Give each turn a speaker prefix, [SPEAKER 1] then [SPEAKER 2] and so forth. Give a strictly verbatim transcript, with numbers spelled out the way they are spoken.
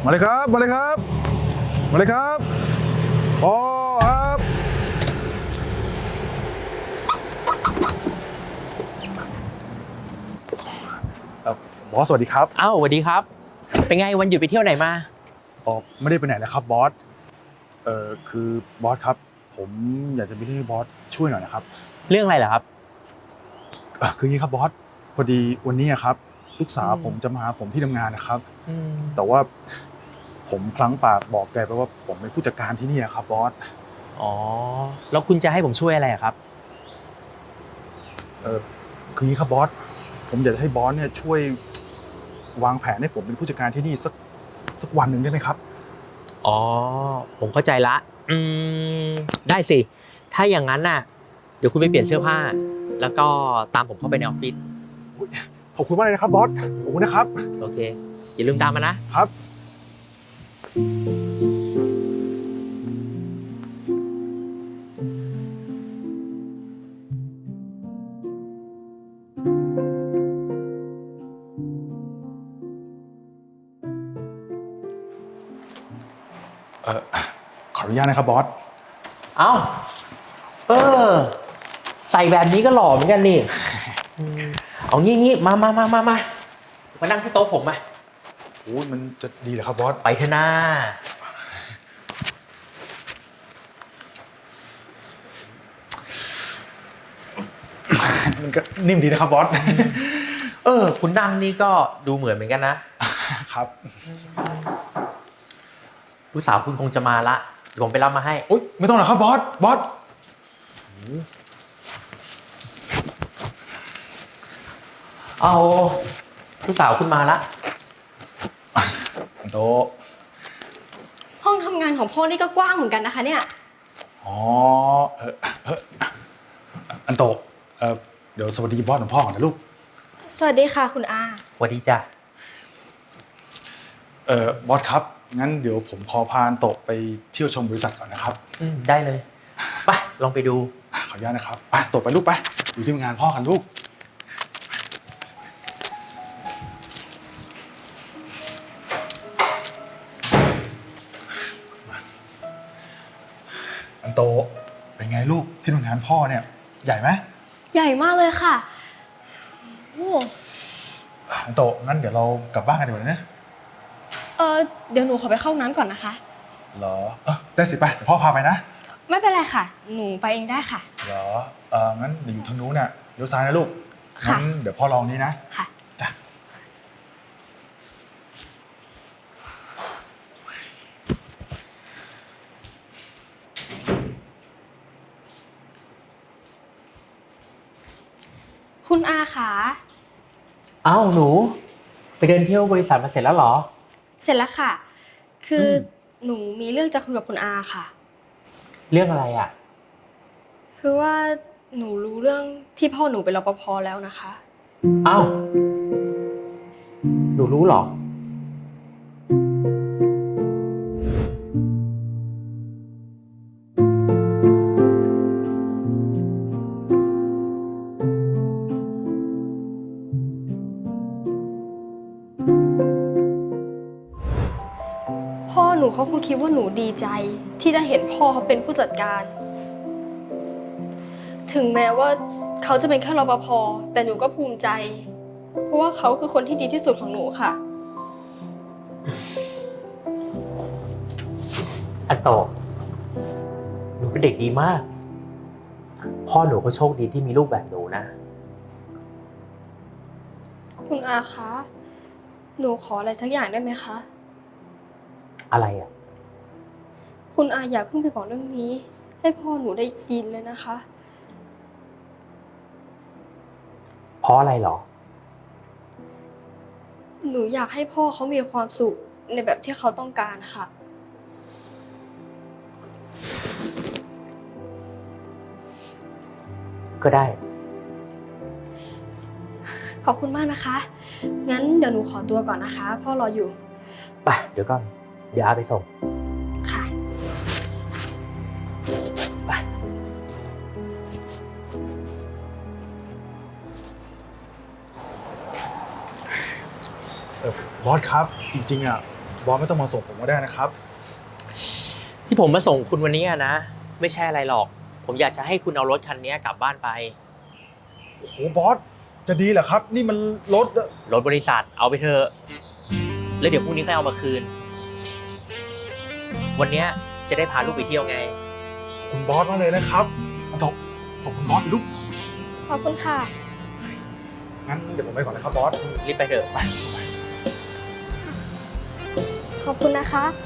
[SPEAKER 1] มาเลยครับมาเลยครับมาเลยครับโอ้ครับบอสสวัสดีครับ
[SPEAKER 2] อ้าวสวัสดีครับเป็นไงวันหยุดไปเที่ยวไหนมา
[SPEAKER 1] อ๋อไม่ได้ไปไหนนะครับบอสเอ่อคือบอสครับผมอยากจะมีเรื่องให้บอสช่วยหน่อยนะครับ
[SPEAKER 2] เรื่องอะไรเหรอครับ
[SPEAKER 1] เอ่อคืออย่างนี้ครับบอสพอดีวันนี้ครับลูกสาวผมจะมาหาผมที่ทำงานนะครับแต่ว่าผมพลั้งปากบอกแกไปว่าผมเป็นผู้จัดการที่นี่ครับบอส
[SPEAKER 2] อ๋อแล้วคุณจะให้ผมช่วยอะไรครับ
[SPEAKER 1] เออคืออย่างนี้ครับบอสผมอยากจะให้บอสเนี่ยช่วยวางแผนให้ผมเป็นผู้จัดการที่นี่สักสักวันหนึ่งได้ไหมครับ
[SPEAKER 2] อ๋อผมเข้าใจละอืมได้สิถ้าอย่างนั้นน่ะเดี๋ยวคุณไปเปลี่ยนเสื้อผ้าแล้วก็ตามผมเข้าไปในออฟฟิศ
[SPEAKER 1] ขอบคุณมากเลยนะครับบอสขอบคุณนะครับ
[SPEAKER 2] โอเคอย่าลืมตามมานะครับ
[SPEAKER 1] เออขออนุญาตนะครับบอส
[SPEAKER 2] เอ้าเออใส่แบบนี้ก็หล่อเหมือนกันนี่เอางี้งี้มามามามามามานั่งที่โต๊ะผมมา
[SPEAKER 1] โอ้ยมันจะดีเหรอครับบอส
[SPEAKER 2] ไปเถอะนะ
[SPEAKER 1] มันก็นิ่มดีนะครับบอส
[SPEAKER 2] เออคุณนั่งนี่ก็ดูเหมือนเหมือนกันนะครับลูกสาวคุณคงจะมาละเดี๋ยวผมไปรับมาให้
[SPEAKER 1] โอ๊ยไม่ต้องหรอกครับบอสบอส
[SPEAKER 2] เอาลูกสาวคุณมาละ
[SPEAKER 1] โต
[SPEAKER 3] ห้องทำงานของพ่อนี่ก็กว้างเหมือนกันนะคะเนี่ย
[SPEAKER 1] อ๋อเออเอออันโตเออเดี๋ยวสวัสดีบอสของพ่อก่อนนะลูก
[SPEAKER 3] สวัสดีค่ะคุณอา
[SPEAKER 2] สวัสดีจ้ะ
[SPEAKER 1] เออบอสครับงั้นเดี๋ยวผมขอพาอันโตไปเที่ยวชมบริษัทก่อนนะครับ
[SPEAKER 2] อืมได้เลยไปลองไปดู
[SPEAKER 1] ขออนุญาตนะครับไปโตไปลูกไปอยู่ที่งานพ่อกันลูกอันโตเป็นไงลูกที่ทำงานพ่อเนี่ยใหญ่ไหม
[SPEAKER 3] ใหญ่มากเลยค่ะโอ้
[SPEAKER 1] อันโตงั้นเดี๋ยวเรากลับบ้านกันดีกว่านะ
[SPEAKER 3] เออเดี๋ยวหนูขอไปเข้าห้องน้ำก่อนนะคะ
[SPEAKER 1] เหรอเออได้สิไปเดี๋ยวพ่อพาไปนะ
[SPEAKER 3] ไม่เป็นไรค่ะหนูไปเองได้ค่ะ
[SPEAKER 1] เหรอเอองั้นเดี๋ยวอยู่ทางนู้นน่ะเลี้ยวซ้ายนะลูกงั้นเดี๋ยวพ่อลองนี้นะ
[SPEAKER 3] ค่ะ
[SPEAKER 1] จ้ะ
[SPEAKER 3] คุณอาขา
[SPEAKER 2] อ้าวหนูไปเดินเที่ยวบริษัทมาเสร็จแล้วเหรอ
[SPEAKER 3] เสร็จแล้วค่ะคือหนูมีเรื่องจะคุยกับคุณอาค่ะ
[SPEAKER 2] เรื่องอะไรอ่ะ
[SPEAKER 3] คือว่าหนูรู้เรื่องที่พ่อหนูเป็นรปภ.แล้วนะคะ
[SPEAKER 2] อ้าวหนูรู้เหรอ
[SPEAKER 3] พ่อหนูเขาคงคิดว่าหนูดีใจที่ได้เห็นพ่อเขาเป็นผู้จัดการถึงแม้ว่าเขาจะเป็นแค่รปภ.แต่หนูก็ภูมิใจเพราะว่าเขาคือคนที่ดีที่สุดของหนูค่ะ
[SPEAKER 2] อันโตหนูเป็นเด็กดีมากพ่อหนูก็โชคดีที่มีลูกแบบหนูนะ
[SPEAKER 3] คุณอาคะหนูขออะไรสักอย่างได้ไหมคะ
[SPEAKER 2] อะไรอ่ะ
[SPEAKER 3] คุณอาอย่าเพิ่งไปบอกเรื่องนี้ให้พ่อหนูได้ยินเลยนะคะ
[SPEAKER 2] เพราะอะไรหรอ
[SPEAKER 3] หนูอยากให้พ่อเขามีความสุขในแบบที่เขาต้องการค่ะ
[SPEAKER 2] ก็ได้
[SPEAKER 3] ขอบคุณมากนะคะงั้นเดี๋ยวหนูขอตัวก่อนนะคะพ่อรออยู่
[SPEAKER 2] ไปเดี๋ยวก่อนเดี๋ยวอาไปส่ง
[SPEAKER 3] ค่ะ
[SPEAKER 2] ไป
[SPEAKER 1] เออบอสครับจริงๆอ่ะบอสไม่ต้องมาส่งผมก็ได้นะครับ
[SPEAKER 2] ที่ผมมาส่งคุณวันนี้อะนะ ไม่ใช่อะไรหรอก ผมอยากจะให้คุณเอารถคันนี้กลับบ้านไป
[SPEAKER 1] โอ้โหบอสจะดีเหรอครับ นี่มันรถ
[SPEAKER 2] รถบริษัทเอาไปเถอะแล้วเดี๋ยวพรุ่งนี้ค่อยเอามาคืน วันเนี้ยจะได้พาลูกไปเที่ยวไง
[SPEAKER 1] ขอบคุณบอสมากเลยนะครับขอบขอบคุณบอสสิลูก
[SPEAKER 3] ขอบคุณค่ะ
[SPEAKER 1] งั้นเดี๋ยวผมไปก่อนนะครับบอส
[SPEAKER 2] รีบไปเถอะไป
[SPEAKER 3] ขอบคุณนะคะ